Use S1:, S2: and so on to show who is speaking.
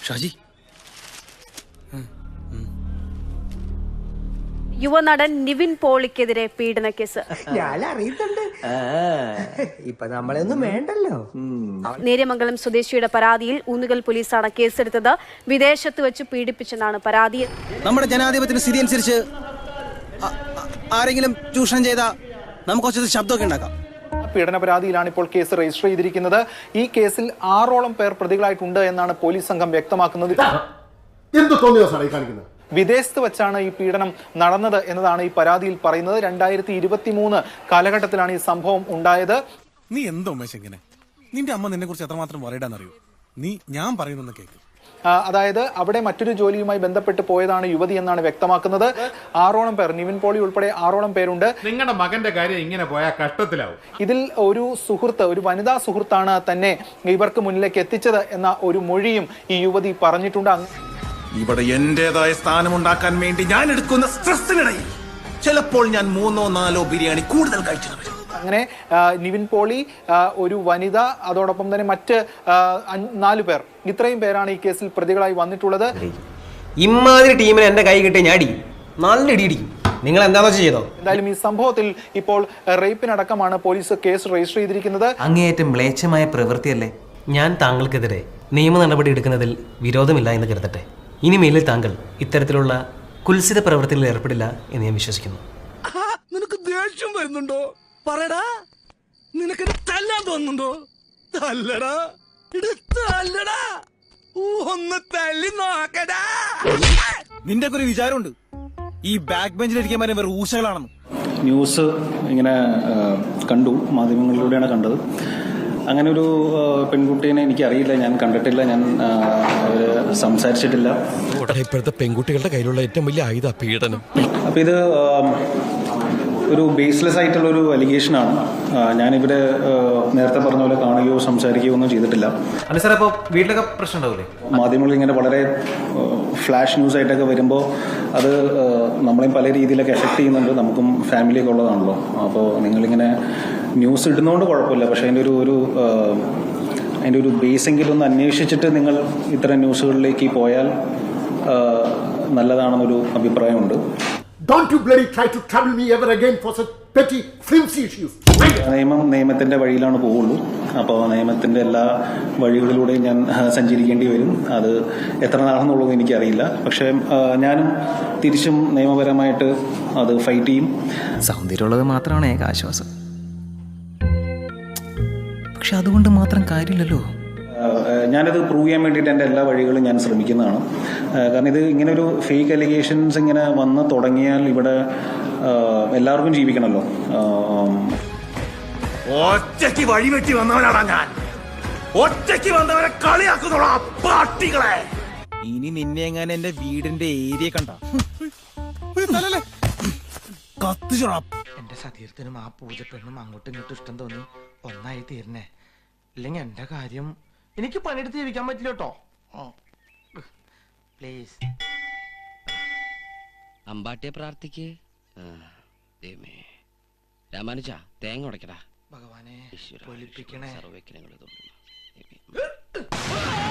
S1: ഷാജി,
S2: യുവനടൻ നിവിൻ പോളിക്കെതിരെ പീഡന കേസ്.
S3: ഞാൻ അറിയുന്നുണ്ട്, ഇപ്പൊ നമ്മളൊന്നും വേണ്ടല്ലോ.
S2: നേര്യമംഗലം സ്വദേശിയുടെ പരാതിയിൽ ഊന്നുകൽ പോലീസാണ് കേസെടുത്തത്. വിദേശത്ത് വെച്ച് പീഡിപ്പിച്ചെന്നാണ് പരാതി.
S1: നമ്മുടെ ജനാധിപത്യത്തിന്റെ സ്ഥിതി അനുസരിച്ച് ആരെങ്കിലും ചൂഷണം ചെയ്താൽ നമുക്ക് കുറച്ച് ശബ്ദമൊക്കെ ഉണ്ടാക്കാം.
S4: പീഡന പരാതിയിലാണ് ഇപ്പോൾ കേസ് രജിസ്റ്റർ ചെയ്തിരിക്കുന്നത്. ഈ കേസിൽ 6ഓളം പേർ പ്രതികളായിട്ടുണ്ട് എന്നാണ് പോലീസ് സംഘം വ്യക്തമാക്കുന്നത്. വിദേശത്ത് വെച്ചാണ് ഈ പീഡനം നടന്നത് എന്നതാണ് ഈ പരാതിയിൽ പറയുന്നത്. 2023 കാലഘട്ടത്തിലാണ് ഈ സംഭവം ഉണ്ടായത്.
S5: നീ എന്തോ ഇങ്ങനെ, നിന്റെ അമ്മ നിന്നെ കുറിച്ച് എത്രമാത്രം പറയിടാന്നറിയോ? നീ ഞാൻ പറയുന്ന കേക്ക്.
S4: അതായത് അവിടെ മറ്റൊരു ജോലിയുമായി ബന്ധപ്പെട്ട് പോയതാണ് യുവതി എന്നാണ് വ്യക്തമാക്കുന്നത്. 6ഓളം പേർ, നിവിൻ പോളി ഉൾപ്പെടെ 6ഓളം പേരുണ്ട്.
S6: നിങ്ങളുടെ മകന്റെ കാര്യം ഇങ്ങനെ പോയാൽ കഷ്ടത്തിലാവും.
S4: ഇതിൽ ഒരു സുഹൃത്ത്, ഒരു വനിതാ സുഹൃത്താണ് തന്നെ ഇവർക്ക് മുന്നിലേക്ക് എത്തിച്ചത് എന്ന ഒരു മൊഴിയും ഈ യുവതി പറഞ്ഞിട്ടുണ്ട്.
S7: ഇവിടെ എന്റേതായ സ്ഥാനമുണ്ടാക്കാൻ വേണ്ടി ഞാൻ എടുക്കുന്ന സ്ട്രെസ്സിനിടയിൽ ചിലപ്പോൾ ഞാൻ 3-4 ബിരിയാണി കൂടുതൽ കഴിച്ചു.
S4: അങ്ങനെ നിവിൻ പോളി, ഒരു വനിത, അതോടൊപ്പം തന്നെ മറ്റ് 4 പേർ, ഇത്രയും പേരാണ് ഈ കേസിൽ പ്രതികളായി വന്നിട്ടുള്ളത്.
S3: ഇമാതിരി ടീമിന് എന്റെ കൈ കിട്ടിയ ഞാൻ നല്ല ഇടിയിടിക്കും. നിങ്ങൾ എന്താണെന്ന് ചെയ്തോ?
S4: എന്തായാലും ഈ സംഭവത്തിൽ ഇപ്പോൾ റേപ്പിനടക്കമാണ് പോലീസ് കേസ് രജിസ്റ്റർ ചെയ്തിരിക്കുന്നത്.
S8: അങ്ങേയറ്റം മ്ലേച്ഛമായ പ്രവൃത്തിയല്ലേ. ഞാൻ താങ്കൾക്കെതിരെ നിയമ നടപടി എടുക്കുന്നതിൽ വിരോധമില്ല എന്ന് കരുതട്ടെ. ഇനിമേലിൽ താങ്കൾ ഇത്തരത്തിലുള്ള കുൽസിത പ്രവൃത്തിയിൽ ഏർപ്പെടില്ല എന്ന് ഞാൻ വിശ്വസിക്കുന്നു.
S5: നിനക്ക് ദേഷ്യം വരുന്നുണ്ടോ? പറയടാ, നിനക്ക് തല്ലാൻ തോന്നുന്നുണ്ടോ? തല്ലടാ, തല്ലടാ, ഒന്ന് തല്ലി നോക്കടാ. നിന്റെ ഒക്കെ ഒരു വിചാരമുണ്ട് ഈ ബാക്ക് ബെഞ്ചിലിരിക്കാൻ വേറെ ഊശകളാണെന്ന്.
S9: ന്യൂസ് ഇങ്ങനെ കണ്ടു, മാധ്യമങ്ങളിലൂടെയാണ് കണ്ടത്. അങ്ങനെ ഒരു പെൺകുട്ടീനെ എനിക്കറിയില്ല, ഞാൻ കണ്ടിട്ടില്ല, ഞാൻ സംസാരിച്ചിട്ടില്ല.
S5: ഇപ്പോഴത്തെ പെൺകുട്ടികളുടെ കയ്യിലുള്ള ഏറ്റവും വലിയ ആയുധ പീഡനം.
S9: അപ്പോൾ ഇത് ഒരു ബേസ്ലെസ് ആയിട്ടുള്ളൊരു അലിഗേഷനാണ്. ഞാനിവിടെ നേരത്തെ പറഞ്ഞ പോലെ കാണുകയോ സംസാരിക്കുകയോ ഒന്നും ചെയ്തിട്ടില്ല.
S8: അല്ല സാർ, അപ്പോൾ വീട്ടിലൊക്കെ പ്രശ്നം ഉണ്ടാവില്ലേ?
S9: മാധ്യമങ്ങളിൽ ഇങ്ങനെ വളരെ ഫ്ലാഷ് ന്യൂസ് ആയിട്ടൊക്കെ വരുമ്പോൾ അത് നമ്മളെയും പല രീതിയിലൊക്കെ എഫക്ട് ചെയ്യുന്നുണ്ട്. നമുക്കും ഫാമിലിയൊക്കെ ഉള്ളതാണല്ലോ. അപ്പോൾ നിങ്ങളിങ്ങനെ ന്യൂസ് ഇടുന്നതുകൊണ്ട് കുഴപ്പമില്ല, പക്ഷേ അതിൻ്റെ ഒരു ബേസെങ്കിലും ഒന്ന് അന്വേഷിച്ചിട്ട് നിങ്ങൾ ഇത്തരം ന്യൂസുകളിലേക്ക് പോയാൽ നല്ലതാണെന്നൊരു അഭിപ്രായമുണ്ട്.
S10: Don't you bloody try to trouble me ever again for such petty, flimsy issues.
S9: നിയമത്തിന്റെ വഴിയിലാണ് പോവുള്ളൂ. അപ്പോൾ നിയമത്തിന്റെ എല്ലാ വഴികളിലൂടെയും ഞാൻ സഞ്ചരിക്കേണ്ടി വരും. അത് എത്ര നാളെന്നുള്ളത് എനിക്കറിയില്ല. പക്ഷേ ഞാനും തിരിച്ചും നിയമപരമായിട്ട് അത് ഫൈറ്റ് ചെയ്യും.
S8: സൗന്ദര്യമുള്ളത് മാത്രമാണ് ഏക ആശ്വാസം. പക്ഷെ അതുകൊണ്ട് മാത്രം കാര്യമില്ലല്ലോ.
S9: ഞാനിത് പ്രൂവ് ചെയ്യാൻ വേണ്ടിയിട്ട് എൻ്റെ എല്ലാ വഴികളും ഞാൻ ശ്രമിക്കുന്നതാണ്. കാരണം ഇത് ഇങ്ങനെ ഒരു ഫേക്ക് അലിഗേഷൻസ് ഇങ്ങനെ വന്ന് തുടങ്ങിയാൽ ഇവിടെ എല്ലാവർക്കും ജീവിക്കണമല്ലോ.
S7: ഒറ്റയ്ക്ക് വഴിവെട്ടി വന്നവനാണ് ഞാൻ. ഒറ്റയ്ക്ക് വന്നവരെ കളിയാക്കുന്നോളാ പാട്ടികളെ.
S5: ഇനി നിന്നെ എങ്ങനെ എന്റെ വീടിന്റെ ഏരിയ കണ്ട കത്തിച്ചോളാം.
S3: എന്റെ സതീർത്ഥനും ആ പൂജപ്പെണ്ണും അങ്ങോട്ടും ഇങ്ങോട്ടും ഇഷ്ടം തോന്നി ഒന്നായി തീർന്നേ. ഇല്ലെങ്കിൽ എന്റെ കാര്യം എനിക്ക് പണിയെടുത്ത് ജീവിക്കാൻ പറ്റില്ല കേട്ടോ. പ്ലീസ്
S11: അമ്പാട്ടിയെ പ്രാർത്ഥിക്ക്. രാമാനുജ തേങ്ങ ഉടക്കടാ.
S3: ഭഗവാനെ, സർവ്വ